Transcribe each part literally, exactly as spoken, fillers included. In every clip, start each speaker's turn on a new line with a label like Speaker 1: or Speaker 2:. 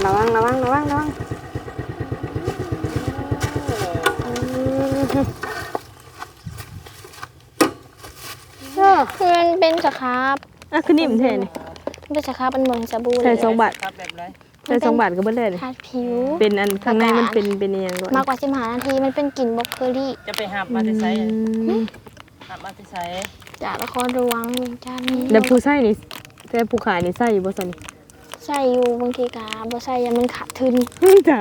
Speaker 1: ระวังระวังระวังระวัง
Speaker 2: คือมันเป็นสครับ
Speaker 1: อ่ะคือนิ่มแท้นี่
Speaker 2: มันเป็นสครับมันเหมือนสบู่เล
Speaker 1: ใส่
Speaker 2: ย
Speaker 1: สองบาท
Speaker 3: ครับแบบไร
Speaker 1: ใส่สองบาทก็เบิดเลยนี่
Speaker 2: ทาผิว
Speaker 1: เป็นอันข้างในมันเป็นเป็นอหยังก่อน
Speaker 2: มากกว่าสิบห้านาทีมันเป็นกลิ่นบล็อกเกอรี่
Speaker 3: จะไปหับมาจะใช้
Speaker 1: อืม
Speaker 3: หับมาจะใช้
Speaker 2: จากละครระวังเวียงจันทร์
Speaker 1: แล้วผู้ใส่นี่แต่ผู้ขายนี่ใส่อยู่บ่ซั่นนี่
Speaker 2: ใส่อยู่บางทีกาบ่ใส่ยังมันขาดทุน
Speaker 1: จ้า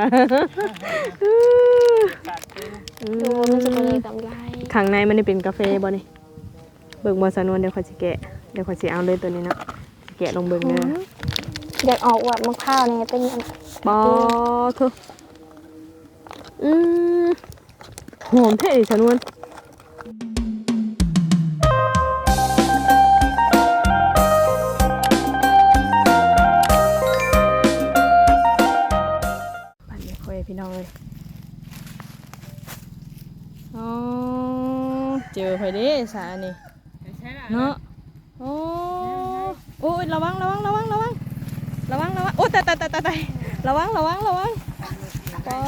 Speaker 3: ขาดทุน
Speaker 2: ดูมันจะเป็นกำไร
Speaker 1: ข้างในมันนี่เป็นกาแฟบ่นี่เบิ่งบ่สนวนเดี๋ยวขอยสิแกะเดี๋ยวขอยสิเอาเลยตัวนี้เนาะสิแกะลงเบิ่งเด้อ
Speaker 2: อยากออกว่ามะพร้าวนี่เป็นอัน
Speaker 1: บอคืออืมหอมแท้ดิสนวนปั่นไม่ค่อยพี่น้องเลยอ๋อเจอไปดิสานี่
Speaker 3: ใช้ละ
Speaker 1: เนาะโอ้โอ้ยระวังระวังระวังระวังระวังระวังโอ้ตายตายตายตายระวังระวังระวังโอ้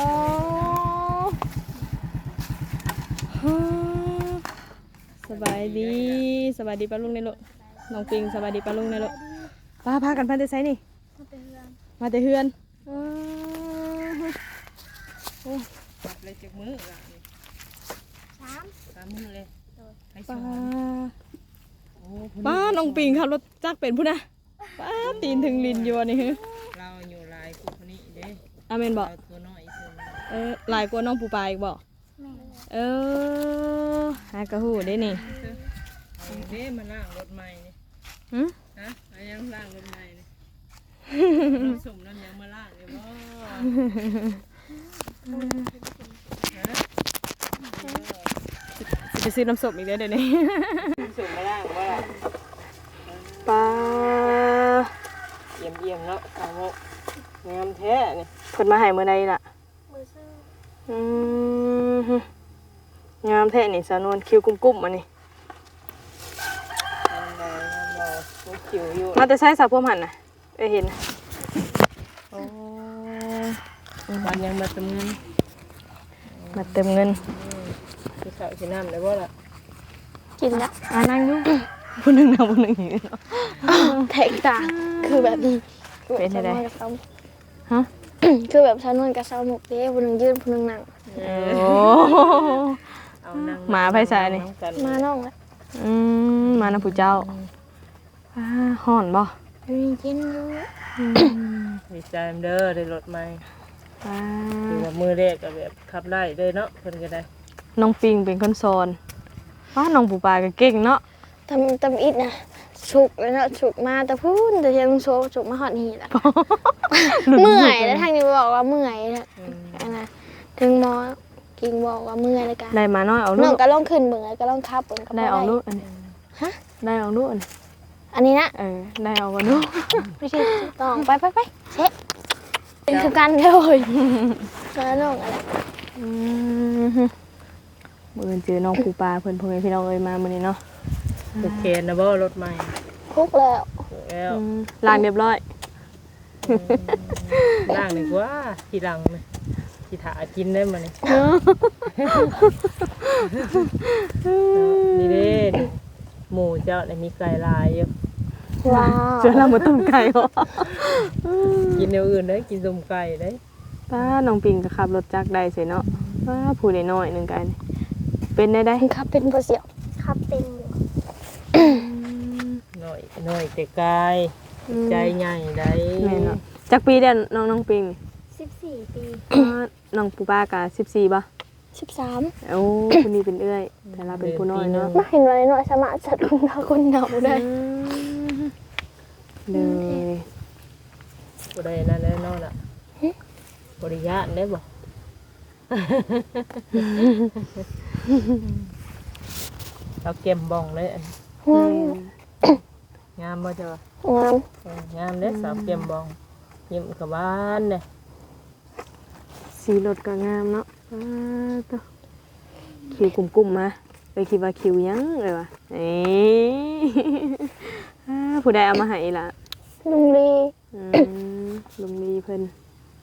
Speaker 1: สบายดีสบายดีป้าลุงในรถน้องปิงสบายดีป้าลุงในรถป้าพากันพันเตไซนี่มาแต่เฮือน
Speaker 3: จับเลยจากมือละนี่
Speaker 2: สาม
Speaker 3: สามมือเลยให้ส
Speaker 1: ป้า
Speaker 3: อนโอ้
Speaker 1: ป้าน้องปิงขับรถจักรเป็นผู้นะป้าตีนถึงลินอยู่นี่ฮึ
Speaker 3: เราอยู่ลายกูคนนี้เด้
Speaker 1: อาเมนบอก
Speaker 3: เราตัวน้อยอีกคน
Speaker 1: เออหลายกว่าน้องปูปลาอีกบอกเออหากระหูได้นี่
Speaker 3: เอาเด้มาล่างรถใหม่นี่
Speaker 1: หืม
Speaker 3: ฮะเอายังล่างรถใหม่นี่น้ำส้มน้ำยังมาล่างเลยบ่ฮะ
Speaker 1: สิไปซื้อน้ำส้มอีกแล้วเดี๋ยวนี้
Speaker 3: น้ำส้มมาล่างว่า
Speaker 1: ปลา
Speaker 3: เยี่ยมเยี่ยมแล้วสาวกงามแท้นี่
Speaker 1: เพิ่นมาให้เมื่อใดล่ะอืมงามแท้นี่สาวนวลคิวกุ้มๆมานี่
Speaker 3: งามเลยงามเลยลูกจิ๋วอยู่
Speaker 1: มาแต่ใช้สาวพวมหันน่ะเอ้ยเห็นน่ะโอ้
Speaker 3: วันยังมาเติมเงิน
Speaker 1: มาเติมเงิน
Speaker 3: คือสาวสีน้ำได้บ่ล่ะ
Speaker 2: กินแล้ว
Speaker 1: อ่านั่งอยู่ผู้หนึงนะผู้หนึงอยู่
Speaker 2: แตกต่างคือแบบนี้
Speaker 1: เป็นไง ฮะ
Speaker 2: คือแบบชานวนกับชาวหมกเด้ผู้หนึงยืนผู้หนึงนั่ง
Speaker 1: โอ้
Speaker 3: เอานั่ง
Speaker 1: หมาไผใส่นี่
Speaker 2: มาน้องแล้ว
Speaker 1: อืมมานะผู้เจ้าอ่าห่อนบ่
Speaker 2: มีกินอยู่
Speaker 3: ดีใจเด้อได้รถใหม่
Speaker 1: อ่า
Speaker 3: คือว่ามือแรกก็แบบขับไล่เลยเนาะเพิ่นก็ได้
Speaker 1: น้องปิงเป็นคนสอนว้าน้องปูปลาก็เก่งเนาะ
Speaker 2: ทำทำอิดนะฉุกแล้วเนาะฉุกมาแต่พูนแต่ยังโซฉุกมาหอดหีละเมื่อยแล้วทางนี้บอกว่าเมื่อยนะ
Speaker 3: อืม
Speaker 2: อันนะถึงหมอกิงบอกว่าเมื่อยแล้วกัน
Speaker 1: ได้มาน้อยเอา
Speaker 2: น้
Speaker 1: ลู
Speaker 2: อง
Speaker 1: ก
Speaker 2: ก็ลองขึ้นเบิ่งแล้วก็ลองขับเบิ่งก็บ่
Speaker 1: ได้เอาลูกอันนี้
Speaker 2: ฮะ
Speaker 1: ได้เอาลูกอันนี้
Speaker 2: อันนี้นะ
Speaker 1: เออได้เอากันลูก
Speaker 2: ไม่ใช่ต้องไปไปไปเช็คเป็นคือกันเลยมาน้องอะไร
Speaker 1: อืมเมื่อเจอน้องปูปลาเพิ่นพ่อแม่พี่น้องเอ้ยมามื้อนี้เนาะ
Speaker 3: โอเคนะบ่รถใหม่
Speaker 2: คุกแล้ว
Speaker 3: แล้ว
Speaker 1: อืมล้างเรียบร้อย
Speaker 3: ล่างดีกว่าทีหลังนะทีถากินได้มานี่นี่เด้นี่หมูเจ้าเนี่ยมีไก่ลายอยู่
Speaker 2: ว้าว
Speaker 1: เจอเราบ่ต้มไก่เหรอ
Speaker 3: กินแนวอื่นได้กินต้มไก่ได้
Speaker 1: ป้าน้องปิงก็ขับรถจักรได้สิเนาะป้าผู้ใดน้อยหนึงกันเป็นได้ได้
Speaker 2: ครับเป็นบ่เสียวครับเป็นอยู่
Speaker 3: หน่อยหน่อยแต่กายใจใหญ่ได้
Speaker 1: แม่เนาะจักปีเด้อน้องน้องปิงนี่
Speaker 2: สิบสี่ปี
Speaker 1: อ่าน้องปูปลากะสิบสี่ป่ะ
Speaker 2: สิบสาม
Speaker 1: โอ้คนนี้เป็นเอื้อย แต่เราเป็นผู้น้อยเนาะ
Speaker 2: มาเห็นอะไรหน่อยสามารถจัดคนเราคนเดาได้
Speaker 1: เลย
Speaker 3: บ่ได้นั่นแน่นอนล่ะบริญาตได้บ่เราเก็มบ่องเลยอัน งามบ่จ้ะ
Speaker 2: งาม
Speaker 3: เอองามเด้สาวเก็มบ่องยิ้มกับบ้านเด้
Speaker 1: สีรถก็งามเนาะอ่าตัวคิวกลุ่มๆมาไปคิดว่าคิวยังเลยวะเอ้ย ผู้ใดเอามาให้ล่ะ
Speaker 2: ลุงลี
Speaker 1: อืมลุงลีเพิ่น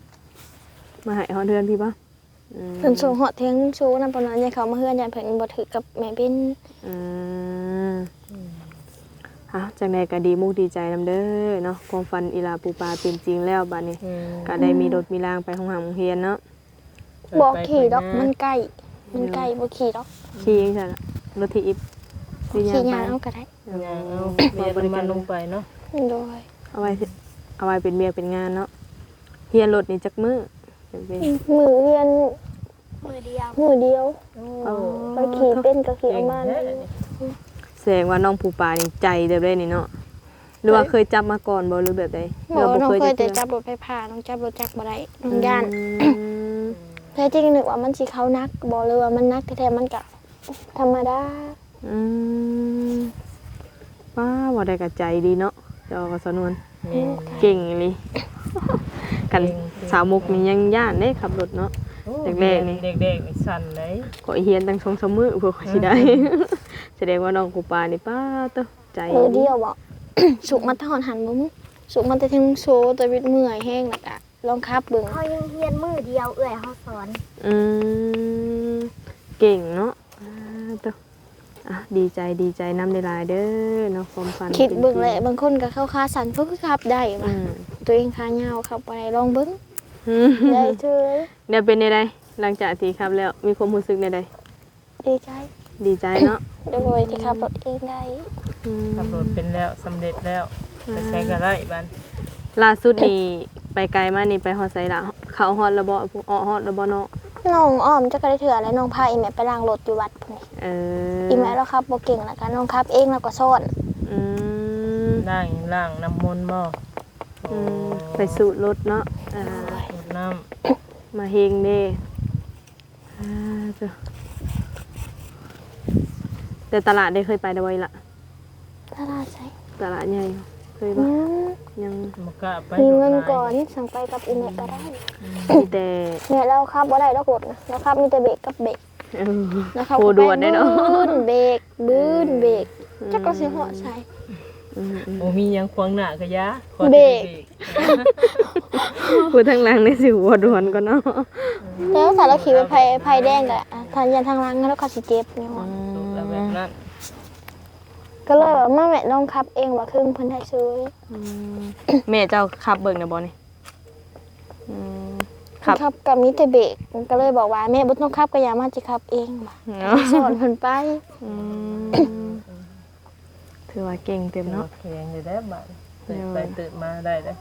Speaker 1: มาให้ฮอดเดือนพี่บ่อืม
Speaker 2: เพิ่นส่งฮอดเที่ยงโชว์นำปานนั้นยังเขามาเฮือนยันเพิ่นบ่ถือกับแม่เบ้น
Speaker 1: อืมฮะจังใดก็ดีมุกดีใจนำเด้อเนาะความฝันอีหลาปูปลาเป็นจริงแล้วบัดนี้
Speaker 3: อืม
Speaker 1: ก็ได้มีรถมีรางไปห้องหามโรงเรียนเนาะ
Speaker 2: บ่ขี่ดอกมันใกล้มันใกล้บ่ขี่ดอก
Speaker 1: ขี่จังซั่นน่ะรถที่อิบหรือยา
Speaker 2: ขี่
Speaker 1: งไป
Speaker 2: ยางเอาก็ได้
Speaker 3: ย่างเอาเรียนน้ำมันลงไปเนาะ
Speaker 2: โดย
Speaker 1: เอาไว้สิเอาไว้เป็นเมียเป็นงานเนาะเฮียนรถนี่จักมื้อเป็นเป็น
Speaker 2: มือเรียนมือเดียวมือเดียว
Speaker 3: โอ้
Speaker 2: ไปขี่เป็นก็ขี่เอามา
Speaker 3: เก่ง
Speaker 2: เลย
Speaker 3: แท้
Speaker 1: แสดงว่าน้องปูปลานี่ใจเด้อเด้นี่เนาะหรือว่าเคยจับมาก่อนบ่หรือแบบใด
Speaker 2: หมอน้องเคยแต่
Speaker 1: จั
Speaker 2: จั
Speaker 1: บบ
Speaker 2: รถไฟฟ้าน้องจับรถจักรบ่ได้น้องย่าน
Speaker 1: อืม
Speaker 2: แท้จริงนึกว่ามันสิเขานักบ่เลยว่ามันนักแท้ๆมันก็ธรรมดา
Speaker 1: อืมป้าว่าได้กับใจดีเนาะเจ้าก็สนวน
Speaker 3: แม่น
Speaker 1: เก่งอีหลี กันสาวมุกนี่ยังย่านเด้ขับรถเนาะ
Speaker 3: โอ้
Speaker 1: แรกๆนี่
Speaker 3: เด็กๆนี่สั่นเลย
Speaker 1: ขอเฮียนตั้งสองสามมื้อเพื่อสิได้ แสดงว่าน้องปูปลานี่ป้าเต้อใจ
Speaker 2: มือเดียวบ่ สุกมันทหอนหันบ่มึงสุกมันแต่ทั้งโซแต่วิตเมื่อยแห้งแล้วก็ลองขับเบิ่ง
Speaker 4: เขายังเรียนมือเดียวเอื่อยเขาสอน
Speaker 1: อืมเก่งเนาะอ่าเต้ออ่ะดีใจดีใจนำได้หลายเด้อเนาะความฝัน
Speaker 2: คิดเบิ่ง
Speaker 1: ป็น
Speaker 2: แห
Speaker 1: จริ
Speaker 2: ละบางคนก็เข้าขาสั่นเพิ่นก็ขับได้
Speaker 1: อื
Speaker 2: ว่ะ
Speaker 1: ม
Speaker 2: ตัวเองขายาวขับบ่ได้ลองเบิ่ง
Speaker 1: อืม
Speaker 2: ได้เด้อ
Speaker 1: เดี๋ยวเป็นในใดหลังจากที่ขับแล้วมีความรู้สึกในใด
Speaker 2: ดีใจ
Speaker 1: ดีใจเนาะ
Speaker 2: โดยที่ขับรถเองได้
Speaker 1: อืม
Speaker 3: ขับรถเป็นแล้วสำเร็จแล้วไปใช้ก็ได้บ้าน
Speaker 1: ล่าสุดนี่ไปไกลมากนี่ไปฮอดไซละเขาฮอดระบ่พวกอ้อฮอดระบ่เนาะ
Speaker 2: น้องอ้อมจะก็ได้เถื่อแล้วน้องพาอีแม่ไปล้างรถอยู่วัดพุ่นนี่
Speaker 1: เออ
Speaker 2: อีแม่เราขับบ่เก่งแล้วก็น้องขับเองแล้วก็สอน
Speaker 1: อืม
Speaker 3: ล่างล่างน้ำมนต์บ่
Speaker 1: อืมไปสูตรรถเนาะอ่า
Speaker 3: สูบน้
Speaker 1: มาเฮงเด้อ่าจ้ะแต่ตลาดได้เคยไปได้บ่อยละ
Speaker 2: ตลาดใช่
Speaker 1: ตลาดใหญ่เคย
Speaker 2: อื
Speaker 1: บ่
Speaker 2: ม
Speaker 1: ยัง
Speaker 3: ำมันก็ไป
Speaker 2: มีเงิน
Speaker 3: รถลาย
Speaker 2: ก่อนสั่งไปกับอีแม่ก็ได้
Speaker 1: มีแต่
Speaker 2: เนี่ยเราขับบ่ได้ดอกรถนะเราขับมีแต่เบรกกับเบรก
Speaker 1: เออ
Speaker 2: แล้วเขา
Speaker 1: โคด่วนได้เนาะ
Speaker 2: บื้นเบรกบื้นเบรกจักก็สิเหาะใส่
Speaker 1: อืมอืม
Speaker 3: โอ้มีหยังขวางหน้าก็ยะขอ
Speaker 2: เบรก
Speaker 1: พูดทางหลังในสิหัวด่วนก่อนเนาะ
Speaker 2: แล้วถ้าเราขี่ไปไฟไฟแดงก็อ่ะทางยันทางหลังแล้วเขาสิเจ็บเนี่ยว่ะ
Speaker 3: สูบแล้วแบบนั้น
Speaker 2: ก็เลยว่ามาแม่ลองขับเองว่าครึ่งเพิ่นให้ซื้อ
Speaker 1: อืมแม่เจ้าขับเบิ่งนะบ่นี่อืมขับ
Speaker 2: ขับกับมีแต่เบรกก็เลยบอกว่าแม่บ่ต้องขับก็อย่ามาสิขับเองว่ะ
Speaker 1: เนาะ
Speaker 2: สอนเพิ่นไป
Speaker 1: อืมถือว่าเก่งเต็มเนาะ
Speaker 3: โอเคอยู่ได้บ้านตื่นไปตื่นมาได้เลย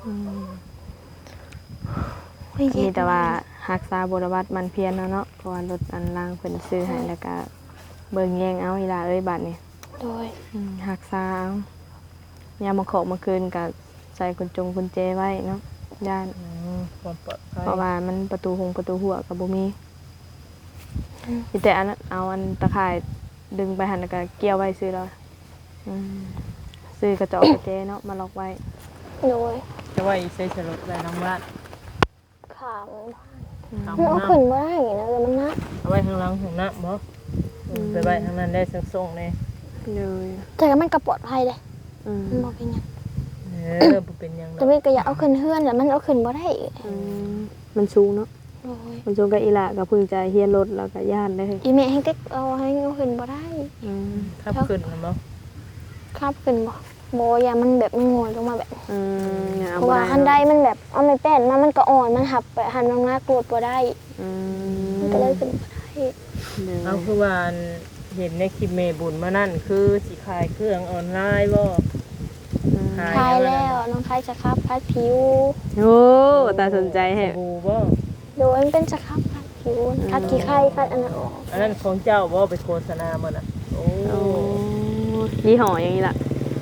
Speaker 1: มีแต่ว่ารักษาบรวัตมันเพียรเนาะเนาะเพราะว่ารถอันล่างเพิ่นซื้อให้แล้วก็เบิ่งแยงเอาอีหล่าเอ้ยบัดนี้
Speaker 2: โดย
Speaker 1: อืมรักษาเอายามมาขอมาคืนก็ใส่กุญจงกุญแจไว้เนาะย่าน
Speaker 3: อืมความปลอดภัย
Speaker 1: เพราะว่ามันประตูหงประตูหัวก็บ่มีมีแต่อันนั้นเอาอันตะข่ายดึงไปหั่นแล้วก็เกี่ยวไว้ซื้อแล้วอืมซื้อกระจอกกระเจเนาะมาล็อกไว้
Speaker 2: โดย
Speaker 3: จะว่าอีเซชรถได้น้ำร้าน
Speaker 2: ขาม
Speaker 3: เอา
Speaker 2: มันเอา
Speaker 3: น้
Speaker 2: ขึ้นบ่ได้นะเลยมันนัก
Speaker 3: ำเอาไว้ข้างหลังของน้ำบ่ไปไว้ข้างนั้นได้สักส่งเลย
Speaker 1: เลย
Speaker 2: แต่ก็มันก็ปลอดภัยเด้
Speaker 1: อืม
Speaker 2: มันบ่เป็นหยัง
Speaker 3: เออบ่เป็นหยังหร
Speaker 2: แต่
Speaker 3: อก
Speaker 2: มีก็อยากเอาขึ้นเฮือนแล้วมันเอาขึ้นบ่ได้
Speaker 1: อืมมันสูงเนาะ
Speaker 2: โอ้ย
Speaker 1: มันสูงกับอีหละก็เพิ่งจะเฮียนรถแล้วก็ย่านได้เลย
Speaker 2: อีแม่ให้เต็กเอาให้เอาขึ้นบ่ได้
Speaker 1: อืม
Speaker 3: ทับขึ้นนะบ่
Speaker 2: ครับขึ้นบ่บ่อย่ามันแบบมันโงอยลงมาแบบ
Speaker 1: อืมอย่า
Speaker 2: เพ
Speaker 1: เอา
Speaker 2: ราะ
Speaker 1: บ่
Speaker 2: ว่า
Speaker 1: ได้
Speaker 2: หันใดมันแบบเอาไม่แป้นมามันก็อ่อนมันหับไปหันลงหน้ากรวดบ่ได้
Speaker 1: อื
Speaker 2: มัน
Speaker 1: ม
Speaker 2: ก็เลยขึ้นบ่ได้
Speaker 1: เลย
Speaker 3: เอาคือว่าอันเห็นในคลิปเมบุญมานั่นคือสิขายเครื่องออนไลน์บ่
Speaker 1: อืม
Speaker 3: ขาย
Speaker 2: คลายแล้วน้องคลายสครับคลายผิว
Speaker 1: โอ้ตาสนใจให้
Speaker 3: สบู่บ่
Speaker 2: โดยมันเป็นสครับคลายผิวคัดขี้ไข้คัดอันนั้นออก
Speaker 3: อันนั้นของเจ้าบ่ไปโฆษณามันน่ะโอ้
Speaker 1: โอ้ยี่ห้ออย่างนี้ล่ะ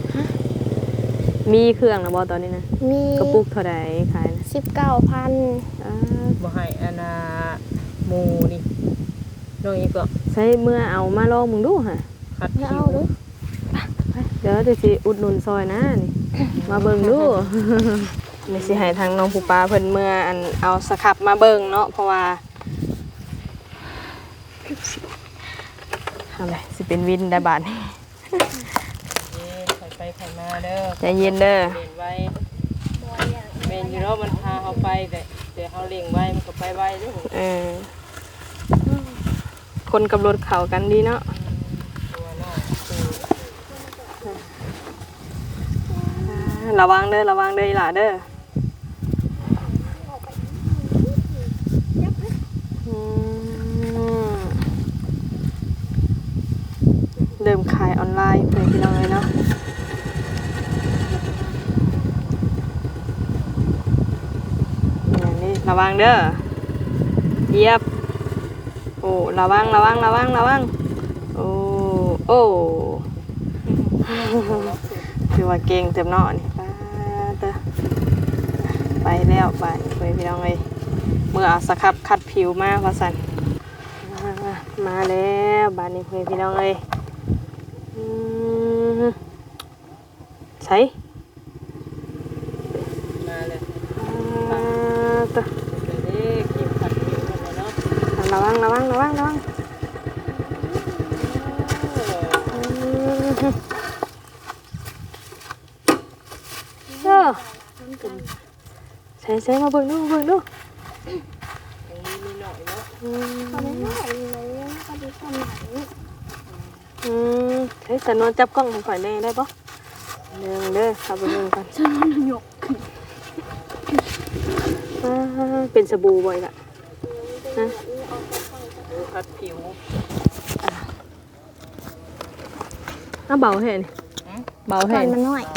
Speaker 1: มีเครื่องนะบ่ตอนนี้นะ
Speaker 2: มี
Speaker 1: กระปุกเท่าใดขายนะ
Speaker 2: สิบเก้าพัน
Speaker 1: อ่า
Speaker 3: บ่ให้อานาหมูนี่น้องอีกก็
Speaker 1: ใช้เมื่อเอามาลองมึงดูฮะ
Speaker 3: คัด
Speaker 2: ไม่
Speaker 3: คิ
Speaker 2: เอา
Speaker 3: ว
Speaker 2: ดู
Speaker 1: ไปเดี๋ยวจะสิอุดหนุนซอยนะนี่มาเบิ่งดู นี่สิให้ทางน้องผู้ปลาเพิ่นเมื่ออันเอาสครับมาเบิ่งเนาะเพราะว่าเอาเลยสิเป็นวินได้บาดนี้
Speaker 3: เย้ใส่ไปใส่มาเด้อ
Speaker 1: ใจเย็นเด้อ
Speaker 3: เล่นไว้เมนอยู่เนาะมันพาเขาไปแต่แต่เขาเลี้ยงไว้มันก็ไปไว้เด้อ
Speaker 1: เออคนกับรถเขากันดีเนาะ
Speaker 3: ตัวน้อยคือ
Speaker 1: ระวังเด้อระวังเด้ออีหล่าเด้ออืมเริ่มขายออนไลน์เพื่อนพี่น้องเลยเนาะอย่างนี้ระวังเด้อเหยียบโอ้ระวังระวังระวังระวังโอ้โอ้คือว่าเก่งเต็มเนาะนี่ป้าเด้อไปแล้วไปเพื่อนพี่น้องเลยเมื่อเอาสครับคัดผิวมาว่าสั่นมามาแล้วบ้านนี้เพื่อนพี่น้องเลยอืมใช่
Speaker 3: มาเลย
Speaker 1: อ่าตัว
Speaker 3: เดี๋ยวนี้กินผัดผิวกันเลยเนาะ
Speaker 1: ระวังระวังระวังระวังอืมเออใส่ใส่มาเบิ่งดูมาเบิ่งดู
Speaker 3: ตรงนี้มีหน่อยเนาะ
Speaker 1: อืม
Speaker 2: เขาไม่ไหวเลยเขาดีคนไหน
Speaker 1: อืมเฮ้ยสนวนจับกล้องให้ข่อยแน่ได้ปะเดินเด้อขับไปเบิ่งก่อน
Speaker 2: ฉันมันหยก
Speaker 1: อ่าเป็นสบู่บ่อยละฮะ
Speaker 3: ผัดผิว
Speaker 1: อ้าเบาแห่นี่เบา
Speaker 2: ก่
Speaker 1: แห่
Speaker 2: อน
Speaker 1: นี่
Speaker 2: มันน้อย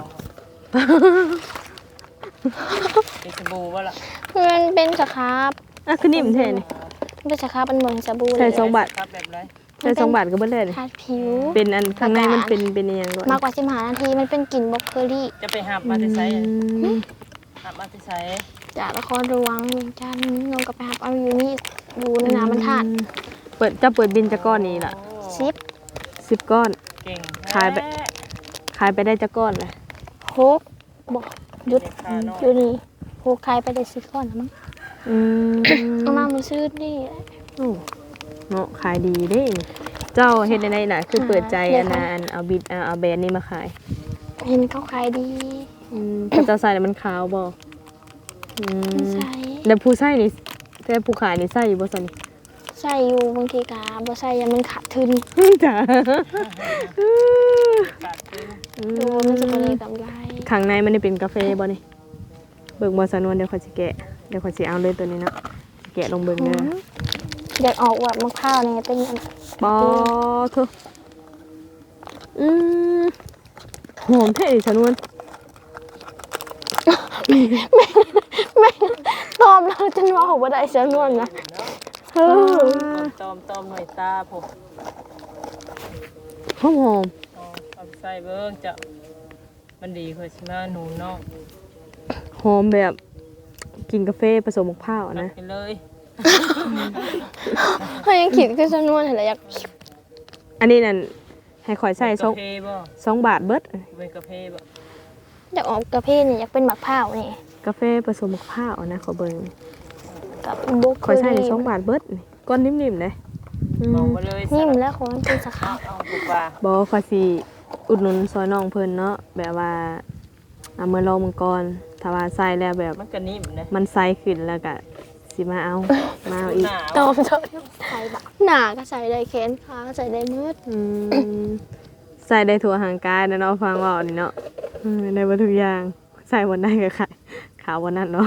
Speaker 3: เป็นสบู่ว่าล่ะ
Speaker 2: มันเป็นสครับ
Speaker 1: อ่ะคือนิ่มแท้นี่
Speaker 2: มันเป็นสครับมันเหมือนสบู่เล
Speaker 1: ใช่
Speaker 2: ย
Speaker 1: สองบาท
Speaker 3: ครับแบบไร
Speaker 1: ใช่สองบาทก็เบิดเลยนี่
Speaker 2: ทาผิว
Speaker 1: เป็นอันข้างในมันเป็นเป็นอหยังด้วย
Speaker 2: มากกว่าสิบห้านาทีมันเป็นกลิ่นบล็อกเกอรี่
Speaker 3: จะไปหับมาที่ไซ
Speaker 1: อืม
Speaker 3: หับมาที่ไซ
Speaker 2: จากละครระวังเวียงจันทร์นงกับไปหับเอาอยู่นี่อยู่ในน้ำมันทาด
Speaker 1: เปิดจะเปิดบินจะก้อนนี้ล่ะ
Speaker 2: ซิป
Speaker 1: สิบก้อน
Speaker 3: เก่ง
Speaker 1: ขายไป ขายไปได้จะก้อนเลย
Speaker 2: โคกบอกหยุดอยู่นี่โคกใครไปได้สิบก้อนนะมั้ง
Speaker 1: อืม
Speaker 2: เอามามือซื้อนี่
Speaker 1: โอ้เนาะขายดีเด้นี่เจ้าเฮ็ดได้ไดล่ะคือเปิดใจอันน่ะอันเอาบิดเอาเอาแบรนด์นี้มาขาย
Speaker 2: เห็นเขาขายดี
Speaker 1: อืมถ้าเจ้าใส่แล้วมันขาวบ่อืม
Speaker 2: ใส่
Speaker 1: แล้วผู้ใส่นี่แต่ผู้ขายนี่ใส่อยู่บ่ซั่นนี่
Speaker 2: ใส่อยู่บางทีกาบ่ใส่ยังมันขาดทุน
Speaker 1: จ้า
Speaker 3: ขาดทุน
Speaker 2: ดูมันจะเป็นกำไร
Speaker 1: ข้างในมันได้เป็นกาแฟบ่นี่เบิ่งบ่สนวนเดี๋ยวข่อยสิแกะเดี๋ยวข่อยสิเอาเลยตัวนี้เนาะสิแกะลงเบิ่งเด้อ
Speaker 2: อยากออกว่ามะพร้าวเนี่ยเป็นอัน
Speaker 1: ปอเถอะอืมหอมแท้อีสนวน
Speaker 2: ตอมเราจนว่าหัวได้เสียนวลนะเออ
Speaker 3: ตอมตอมหน่อยตาผม
Speaker 1: หอมหอม
Speaker 3: เอาใส่เบิ้งจะมันดีคือชิมาหนูเนาะ
Speaker 1: หอมแบบกินกาแฟผสมมะพร้าวอะนะ
Speaker 3: ไปเลย
Speaker 2: เขายังคิดคือเสียนวลเห็นแล้วอยาก
Speaker 1: อันนี้นั่นให้ข่อยใส่สอง
Speaker 3: กาแฟบ่
Speaker 1: สองบาทเบิด
Speaker 3: เป็นกาแฟบ่
Speaker 2: อยากออกกาแฟนี่อยากเป็นมะพร้าวนี่
Speaker 1: กาแฟผสมมะพร้าวอะนะขอเบิ่ง
Speaker 2: กับบุก
Speaker 1: ข่อยใส่ในสองบาทเบิดนี่ก้อนนิ่มๆเลยอื
Speaker 3: มอง
Speaker 1: ม
Speaker 3: มาเลย
Speaker 2: นิ่มแล้วของมันเป็นสครับ
Speaker 3: เอาถูกว่า
Speaker 1: บ่ข่อยสิอุดหนุนซอยน้องเพิ่นเนาะแบบว่าเอามือลองมังกรถ้าว่าใส่แล้วแบบ
Speaker 3: มันก็นิ่มนะ
Speaker 1: มันใสขึ้นแล้วก็สิมาเอามาเอาอีก
Speaker 3: หนาว
Speaker 2: ตอมเถอะใส่บะหนาก็ใส่ได้แขนขาก็ใส่ได้มืด
Speaker 1: อืมใส่ได้ทั่วห่างกายนะเนาะฟังเว่านี่เนาะอืมได้บ่ทุกอย่างใส่วันไหนก็ขายขาววันนั้นเนาะ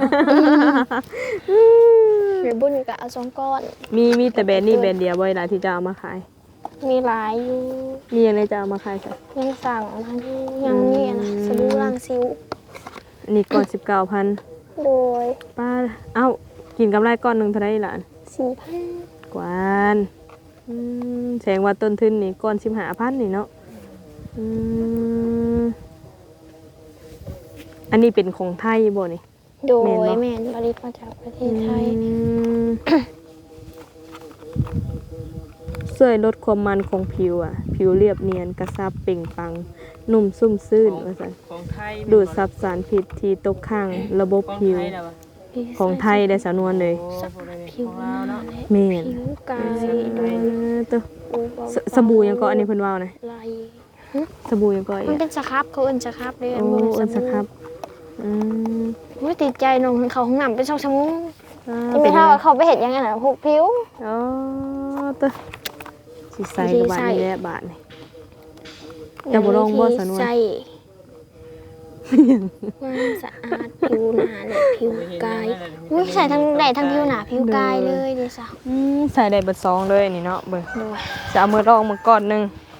Speaker 2: หรือบุญกับเอาสองก้อน
Speaker 1: มีมีแต่แบรนด์นี่แบรนด์เดียวบ่อยล่ะที่จะเอามาขาย
Speaker 2: มีหลายอยู่
Speaker 1: มีอะไรจะเอามาขายจ้ะ
Speaker 2: ยังสั่งมาที่ยังนี่นะสบู่ล้างซิว
Speaker 1: อันนี้ก้อนสิบเก้าพัน
Speaker 2: โดย
Speaker 1: ป้าเอ้ากินกำไรก้อนหนึงเท่าไหร่ล่ะ
Speaker 2: สี่พัน
Speaker 1: กวานอืมแสดงว่าต้นทุนนี่ก้อนสิบห้าพันนี่เนาะอืมอันนี้เป็นของไทยบ่นี่
Speaker 2: โดย
Speaker 1: แม่นบ่
Speaker 2: แมนผลิตมาจากประเทศไทย
Speaker 1: อืมช่วยลดความมันของผิวอ่ะ ผิวเรียบเนียนกระซับเปล่งปลัง นุ่มซุ่มซื่นว่าซั่น
Speaker 3: ของไทย
Speaker 1: ดูดซับสารพิษที่ตกค้างระบบ
Speaker 3: ของ
Speaker 1: ผิว
Speaker 3: ไทยแล้ววะ
Speaker 1: ของไทยได้สำนวนเลย
Speaker 3: โอ้โหเลย
Speaker 2: ผิว
Speaker 3: ของ
Speaker 2: หน้า
Speaker 3: เราเนาะ
Speaker 2: และ
Speaker 1: แม่น
Speaker 2: ผิวกายโดย
Speaker 1: เออตัว
Speaker 2: ปูเบา
Speaker 1: สสบู่ยังก็อันนี้เพิ่นว่านะ
Speaker 2: ไหล
Speaker 1: สบู่ยังก็อี
Speaker 2: มัน
Speaker 1: ก
Speaker 2: เป็นสครับเขาเอิ้นสครับเลย
Speaker 1: โอ้
Speaker 2: บ่แม่
Speaker 1: เอิ้น
Speaker 2: น
Speaker 1: สครับอืม
Speaker 2: ไม่ติดใจน้องเขาห้องน้ำเป็นสองชั่วโมง
Speaker 1: อ่า
Speaker 2: ที่ไม่เท่าว่าเขาไปเห็นยังไงนะผูกผิว
Speaker 1: อ๋อตัวสิใส่กับบ้านนี่แหละบาทนี่ จะบ่ลองบ่สะนวน
Speaker 2: ใส่ความสะอาดผิวหนาและผิวกายอุ้ยใส่ทั้งได้ทั้งผิวหนาผิวกายเลยเดี๋ยวสาว
Speaker 1: อืมใส่ได้เบิดซองเลยนี่เนาะเบิ่ง
Speaker 2: ดู
Speaker 1: จะเอามือรองมาก่อนหนึง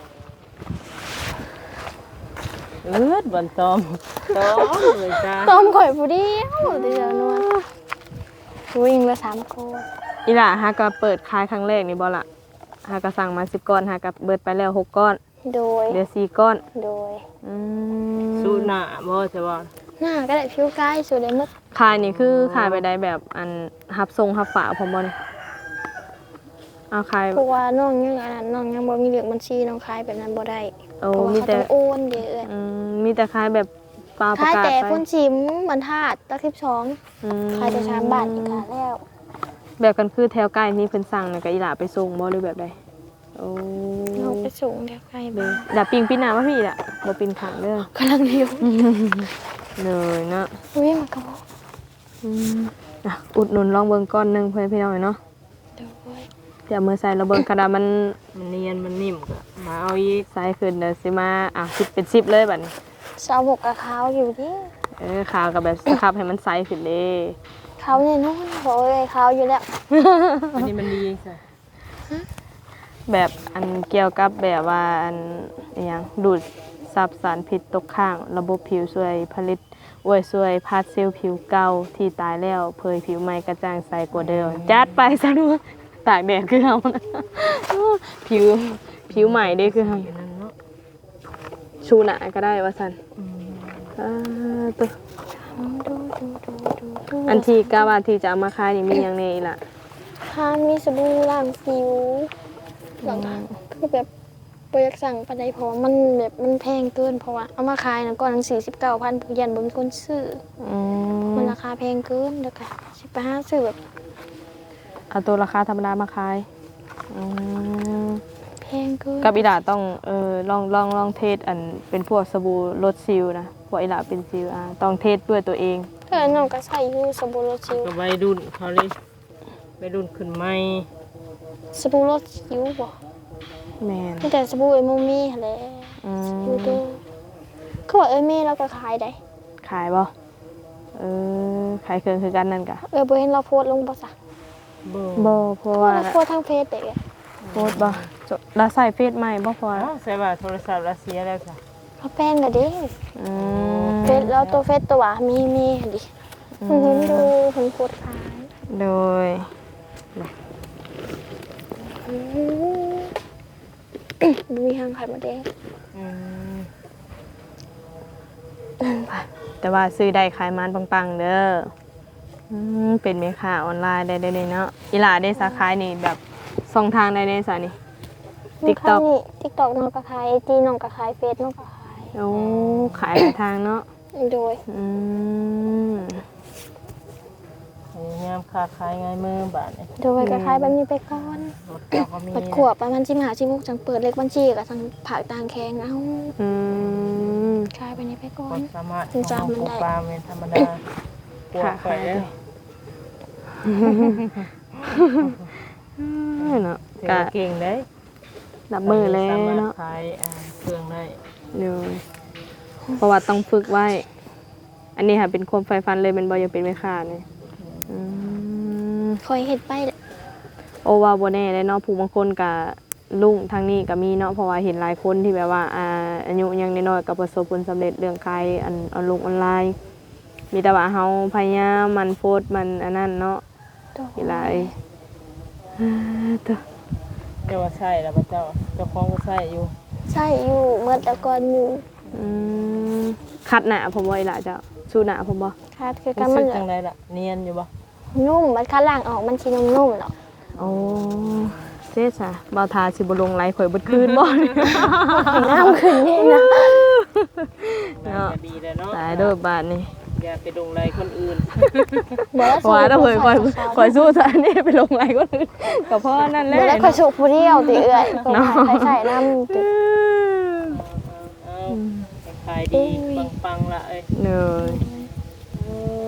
Speaker 3: เอิดบันตอมตอมเลยจ้า
Speaker 2: ต้มข่อยผู้เดียวเดี๋ยวนวลวิ่งละสามโคน
Speaker 1: อีหล่าหาก็เปิดขายครั้งแรกนี่บ่ล่ะหาก็สั่งมาสิบก้อนหาก็เบิดไปแล้วหกก้อน
Speaker 2: โดย
Speaker 1: เหลือสี่ก้อน
Speaker 2: โดย
Speaker 1: อืม
Speaker 3: สู้หน้าบ่ใช่บ่
Speaker 2: หน้าก็ได้ผิวกายสุดเลยมึก
Speaker 1: ขายนี่คือขายไปได้แบบอันหับทรงหับฝาพร้อมบ่นี่เอาขาย
Speaker 2: เพราะว่าน้องยังอันนั้นน้องยังบ่มีเหลืองบัญชีน้องขายแบบนั้นบ่ได้
Speaker 1: โอ้
Speaker 2: เพราะว่า
Speaker 1: มี
Speaker 2: เขา
Speaker 1: แต่
Speaker 2: ต้องโอนเยอะ
Speaker 1: อืมมีแต่ขายแบบปลาประ
Speaker 2: ขาย
Speaker 1: กาศ
Speaker 2: แต่
Speaker 1: ไป
Speaker 2: คนชิมบรรทัดตักสิบสอง
Speaker 1: อืม
Speaker 2: ขายแต่สามบาทอีกค่ะแล้ว
Speaker 1: แบบกันคือแถวใกล้นี่เพิ่นสั่งน่ะก็อีหล่าไปส่งบ่หรือแบบใดโอ้
Speaker 2: น้องไปสูงเดี๋ยวใคร
Speaker 1: เด้
Speaker 2: บ้า
Speaker 1: อง ดาปิงปีหน้ามาพี่ล่ะบ่ปินขังเด้อก
Speaker 2: ำลังเลี้ยว
Speaker 1: เลยเนาะ
Speaker 2: อุ้ยมันกระบอก
Speaker 1: อืมอ่ะอุดหนุนลองเบิ่งก้อนหนึงเพื่อนพี่น้องเนาะ
Speaker 2: เดี๋ยวไว้
Speaker 1: เดี๋ยวมือใส่ระเบิงกระดาษมัน
Speaker 3: มันเนียนมันนิ่มก็มาเอาอีก
Speaker 1: ใส่ขึ้นเดี๋ยวสิมาอ่ะสิบเป็นสิบเลยบัดนี้
Speaker 2: สาวบกกับเขาอยู่ที่
Speaker 1: เออขาวกับแบบสครับให้มันใสขึ้นเด้
Speaker 2: เขาเนี่ยนู่นบอกเลยเขาอยู่แล้ว
Speaker 3: อันนี้มันดีใช่
Speaker 1: แบบอันเกี่ยวกับแบบว่าอันอหยังดูดซับสารพิษตกค้าง ระบบผิวช่วยผลิตอวยช่วยพาดเซลล์ผิวเก่าที่ตายแล้วเผยผิวใหม่กระจ่างใสกว่าเดิมจัดไปซะด้วยตากแดดคือเฮานะ ผิวผิวใหม่เด้คือเฮา
Speaker 3: อยู่นั่นเนาะ
Speaker 1: ชูหนาก็ได้ว่าซั่นอ่าตัว
Speaker 2: ดูดูดูดูดู
Speaker 1: อันที่กาว่าที่จะเอามาขายนี่มีหยังแน่อีหล่ะ
Speaker 2: ถ้ามีสบู่ล้างผิวหลังคือแบบโปรยากสั่งปานใดเพราะว่ามันแบบมันแพงเกินเพราะว่าเอามาขายนะก่อนหนังสี่สิบเก้าพันผู้ยันบ่มีคนซื้อ
Speaker 1: อืม
Speaker 2: มันราคาแพงเกินเด้อค่ะสิไปหาซื้อแบบ
Speaker 1: เอาตัวราคาธรรมดามาขายอืม
Speaker 2: แพงเกิน
Speaker 1: กับอีหล่าต้องเออลองลองลองเทสอันเป็นพวกสบู่ลดซิลนะพวกอีหล่าเป็นซิลอ่ะต้องเทสด้วยตัวเอง
Speaker 2: เออน้องก็ใส่อยู่สบู่รสสิว
Speaker 3: ก็วัยรุ่นเขาเลยวัยรุ่นขึ้นใหม่
Speaker 2: สบู่รสสิวบ่
Speaker 1: แมน
Speaker 2: มีแต่สบู่เอโมมี่หั่นแหละ
Speaker 1: อื
Speaker 2: อยู่
Speaker 1: ม
Speaker 2: ตัวเขาบอกเอเม่แล้วก็ขายได้
Speaker 1: ขายบ่เออขายเครื่องคือกันนั่นกะ
Speaker 2: เออบ่เห็นเราโพสต์ลงบ่ซะ
Speaker 3: บ่
Speaker 1: บ่เพราะว่า
Speaker 2: เราโพสต์ทางเฟซเด็กอะ
Speaker 1: โพสต์บ่จดแล้วใส่เฟซใหม่บ่พอ
Speaker 3: อ๋อใช่ว่าโทรศัพท์รัสเซียแล้วค่ะ
Speaker 2: เขาแป้งก็เด้
Speaker 1: อืม
Speaker 2: เฟซแล้วตัวเฟซตัวมีมีหั่นดิเพิ่นเห็นดูเพิ่นโพสต์ขาย
Speaker 1: โดย
Speaker 2: อืมมีทางขายหมาแดง
Speaker 3: อืม
Speaker 1: แต่ว่าซื้อได้ขายมันปังๆเด้ออืมเป็นแม่ค้าออนไลน์ได้ได้เลยเนาะอีหล่าได้สาขานี่แบบช่องทางใดในสานี่ TikTok
Speaker 2: นี่ TikTok น้องก็ขาย ไอ จี น้องก็ขายเฟซน้องก็ขาย
Speaker 1: โอ้ขายหลายทางเนาะ
Speaker 2: โดย
Speaker 1: อืม
Speaker 3: พยายามค้าขายง่ายมือบาทเนี่ย
Speaker 2: โดยก็ขายแบบนี้ไปก่อน
Speaker 3: รถเจ้าก็มี
Speaker 2: ปัดขวบประมาณสิบห้าสิบหกจังเปิดเลขบัญชีกับทางผักต่างแข้งเอ้า
Speaker 1: อืม
Speaker 2: ขายไปนี้ไปก่อ
Speaker 3: คน นสามารถ
Speaker 2: ถึงจะมันได้
Speaker 3: ปลูกปลาเป็นธรรมดาปลูก
Speaker 1: ค่ะ
Speaker 3: ไปแล้ว
Speaker 1: เนาะ
Speaker 3: ถือ
Speaker 1: ก็
Speaker 3: ว่าเก่งได้
Speaker 1: ดับมือแล้ว
Speaker 3: สามารถ
Speaker 1: เนาะ
Speaker 3: ขายอ่าเครื่องได้
Speaker 1: เดี๋ยวเพราะว่าต้องฝึกไว้ อันนี้ค่ะเป็นความใฝ่ฝันเลยเป็นบอยากเป็นแม่ค้าเนี่ยอืม
Speaker 2: คอยเห็ดไปแหละ
Speaker 1: โอว่าบ่แน่เลยเนาะผู้บางคนก็ลุงทางนี้ก็มีเนาะเพราะว่าเห็นหลายคนที่แบบว่าอ่าอายุยังน้อยๆก็ประสบผลสำเร็จเรื่องขายอันออนลงออนไลน์ มีแต่ว่าเฮาพยายามมันโพสต์มันอันนั้นเนาะ
Speaker 2: โดย
Speaker 1: อีหลายอ่าตัว
Speaker 3: เรียกว่าใช่แล้วพระเจ้าเจ้าของก็ใช่อยู่
Speaker 2: ใช่อยู่เมื่อแต่ก่อนอยู่
Speaker 1: อืมคัดหน้าผมบ่อีหล่ะเจ้าสู้หน้าผมบ่
Speaker 2: คาดคือกัน
Speaker 3: รู้
Speaker 2: มั
Speaker 3: สึ
Speaker 2: น
Speaker 3: กจังไรล่ะเนียนอยู่บ่
Speaker 2: นุ่มมันคัดล่างออกมันชีนุ่มๆหรอก
Speaker 1: โอ้เจ๊จ้ะบ่าวทาสิบ่ลงไลฟ์ข่อยเบิดคืนบ่
Speaker 2: น้ำขึ้นนี่นะ
Speaker 3: น่าจะดีแล้วเนาะ
Speaker 1: ตายเด้อบาดนี้
Speaker 3: อย่าไปดงไรคนอื่น
Speaker 2: เดี๋ยว
Speaker 1: ว่าถ้าข่อยข่อยข่อยสู้ซะนี่ไปลงไลฟ์คนอื่นก็เพราะนั่นแหละ
Speaker 2: เดี๋ยวแล้วคอยสุกผู้เดียวติเอื่อยคอยใส่น้ำติ
Speaker 3: เอาขายดีปังๆละเอ้ย
Speaker 1: เนย
Speaker 3: โอ้ย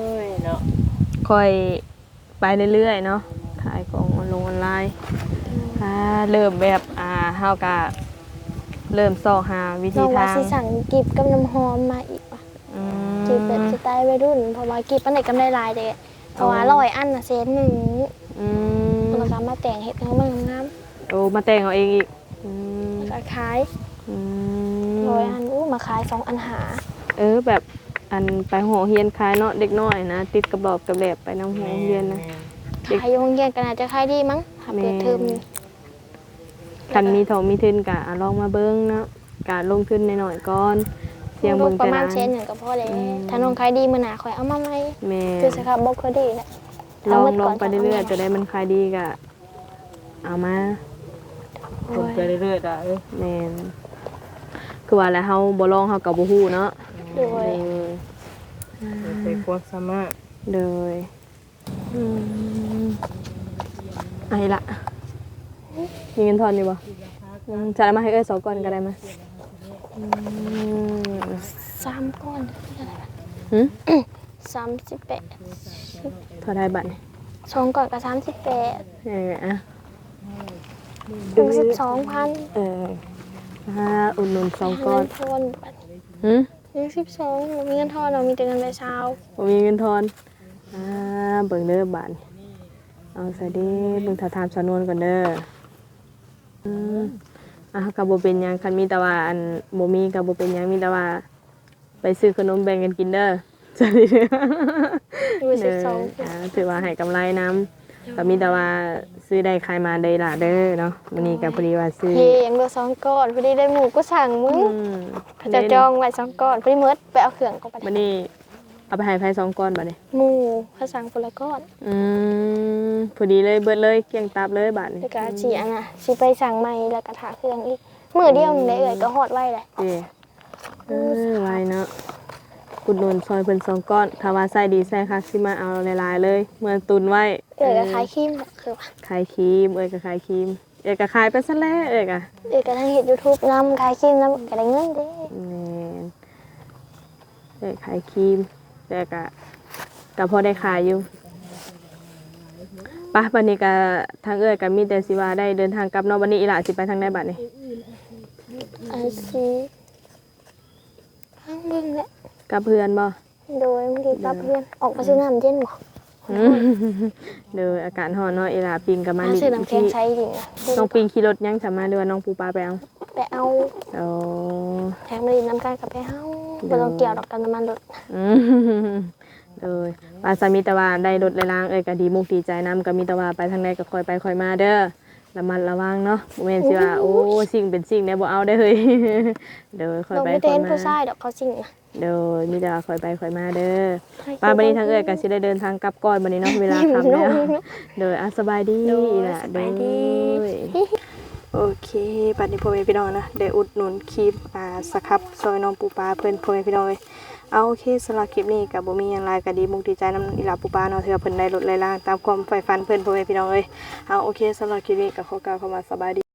Speaker 3: เนาะ
Speaker 1: ค่อยไปเรื่อยๆเนาะขายของออนลงออนไลน์อ่าเริ่มแบบอ่าเฮาก็เริ่มซอกหาวิ
Speaker 2: น้
Speaker 1: ธี
Speaker 2: องว่า
Speaker 1: ทาง
Speaker 2: สิสั่งกิบกับน้ำหอมมาอีกว่ะ
Speaker 1: อื
Speaker 2: กิบแบบ
Speaker 1: ม
Speaker 2: สไตล์วัยรุ่นเพราะว่ากิบอันไหนกำไรหลายเด้เพราะว่าร้อยอันน่ะเซนหนึ่ง
Speaker 1: อืม
Speaker 2: แล้วก็มาแต่งเฮ็ดให้มันงาม
Speaker 1: โอ้มาแต่งเอาเองอีกอืม
Speaker 2: ๆแล้วก็ขาย
Speaker 1: อื
Speaker 2: ร้อย
Speaker 1: ม
Speaker 2: อันอู้มาขายสองอันหา
Speaker 1: เออแบบอันไปหอเฮียนขายเนาะเด็กน้อยนะติดกับรอบกับแหลบไปน้ำหอเฮียนนะ เด็ก
Speaker 2: ขายอยู่โรงเรียนก็น่าจะขายดีมั้งถ้าเปิดเทอมนี่
Speaker 1: คันมีทองมีทุนกะลองมาเบิ้งเนาะกะลงทุนหน่อยๆก่อนเสียงเบิ่ง
Speaker 2: ประ
Speaker 1: แต่
Speaker 2: มาณ
Speaker 1: นาน
Speaker 2: เซนหนึ่งก็พอแล้ว
Speaker 1: อืม
Speaker 2: ถ้าน้องขายดีมื้อหน้าค่อยเอามาใหม่
Speaker 1: แม่
Speaker 2: คือสครับบ่ค่อยดีแหละ
Speaker 1: ลอง
Speaker 2: เาหมด
Speaker 1: ล
Speaker 2: ก่
Speaker 1: อน งไปเรื่อยๆจะได้มันขายดีกะเอามา
Speaker 3: คนไปเรื่อยๆอ่ะเอ้ย
Speaker 1: แม่นคือว่าแล้วเฮาบ่ลองเฮาก็บ่ฮู้เนาะ
Speaker 2: โดย
Speaker 3: ไปความสามารถ
Speaker 1: เลยอืมไอ้ละมีเงินทอนอยู่บ่อืมจะเอามาให้เอ้ยสองก้อนก็ได้มาอืม
Speaker 2: สามก้อน
Speaker 1: หึ
Speaker 2: สามสิบแปด
Speaker 1: เท่าได้บัตรนี่
Speaker 2: สองก้อนก็สามสิบแปด
Speaker 1: เอออ่ะ
Speaker 2: ถึงสิบสองพัน
Speaker 1: เออห้าอุ่นนุนสองก้อน
Speaker 2: เงินทอนบัด
Speaker 1: หืม
Speaker 2: ยังสิบสองมีเงินทอนเรามีแต่เงินใบเช้า
Speaker 1: ผมมีเงินทอนอ่าเบิ่งเด้อบาทนี่เอาใส่ดิเบิ่งถาถามสำนวนก่อนเด้ออืมอ่ะกับโบเป็นหยังคันมีแต่ว่าอันโบมีกับโบเป็นหยังมีแต่ว่า ไปซื้อขนมแบ่งกันกินเด้อใช่เด้อ
Speaker 2: ดูสิบสอง
Speaker 1: อ่าถือว่าให้กำไรนํก็มีแต่ว่าซื้อได้ขายมาได้ล่ะเด้อเนาะมื้อนี้ก็พอดีว่าซื้อ
Speaker 2: เฮ้ยังเหลือสองก้อนพอดีได้หมูก็สั่งมึง
Speaker 1: อืม
Speaker 2: เขาจะจองไว้สองก้อนพอดีเมิดไปเอาเครื่องก็ไป
Speaker 1: มื้อนี้เอาไปให้ไผสองก้อนบัดนี้
Speaker 2: หมูเขาสั่งคนละก้อน
Speaker 1: อืมพอดีเลยเบิดเลยเกลี้ยงตับเลยบาทนี้
Speaker 2: แล้วก็สีอันน่ะสิไปสั่งใหม่แล้วก็ถาเครื่องอีกมือเดียวนึงได้เอ่ยก็ฮอดไว้เลย
Speaker 1: เด้เออไว้เนาะกุดหนุนซอยเพิ่นสองก้อนถ้าว่าใส่ดีใส่คักสิมาเอาหลายๆเลยเมื่อตุนไว้
Speaker 2: เอ่ยก็ขายครีมคือว่า
Speaker 1: ขายครีมเอ้ยก็ขายครีมเอ้ยก็ขายไปซะแล้วเอ้ยก็
Speaker 2: เอ่ยก็ทั้งเฮ็ด YouTube นำขายครีมนำก็ได้เงินเด้
Speaker 1: แม่นเอ้ยขายครีมแต่ก็ก็พอได้ขายอยู่ปะบัดนี้ก็ทางเอ้ยก็มีแต่สิว่าได้เดินทางกลับเนาะบัดนี้อีหล่าสิไปทางใดบัดนี้
Speaker 2: อาชีข้างเบิ่งแหละ
Speaker 1: กับเพื่อนบ่
Speaker 2: โดยบางทีกับเพื่อนออกมาซื้อน้ำเย็นบ่
Speaker 1: อืมเด้ออากาศร้อนเนาะอีหล่าปิงก็มา
Speaker 2: มา
Speaker 1: ลิ
Speaker 2: ซื้อน้ำแข็งใช้จริงนะ
Speaker 1: น้องปิงขี่รถยังสามารถเรือว่าน้องปูปลาไปเอา
Speaker 2: ไปเอา
Speaker 1: โอ้
Speaker 2: แถมมาดินน้ำกันกับไปเฮาบ่ต้องเกี่ยวดอกกันน้ำมันรถ
Speaker 1: อืมเลยปลาสามีแตะว่าได้รถเลยล้างเอ้ยก็ดีมุกดีใจน้ำก็มีแตะว่าไปทางใดก็คอยไปคอยมาเด้อระมัดระวังเนาะบ่แม่นสิว่าโอ้สิ่งเป็นสิ่งเนี่ยบ่เอาได้อเฮ้ย เด้อคอย
Speaker 2: เรา
Speaker 1: ไป
Speaker 2: ไม่
Speaker 1: ค
Speaker 2: ได้
Speaker 1: อย
Speaker 2: เห็น
Speaker 1: มา
Speaker 2: ผู้ชายดอกเขาจริงนะ
Speaker 1: เด้อมีแต่ว่าคอยไปคอยมาเด้อปลาบัดนี้ทางเอ้ยก็สิได้เดินทางกลับก่อนบัดนี้เนาะเวลาค่ำแล้วเด้ออ่ะสบายดีล่ะเด้อโอเคบัดนี้พ่อแม่พี่น้องนะได้อุดหนุนคลิปอ่าสครับซอยน้องปูปลาเพิ่นพ่อแม่พี่น้องเอ้ย เอาโอเคสำหรับคลิปนี้กับบ่มีหยังหลายก็ดีมุกดีใจนำอีหลาปูปลาเนาะที่ว่าเพิ่นได้ลดไล่ล่างตามความใฝ่ฝันเพิ่นพ่อแม่พี่น้องเอ้ยเอาโอเคสำหรับคลิปนี้ก็ขอกล่าวคำว่าสบายดี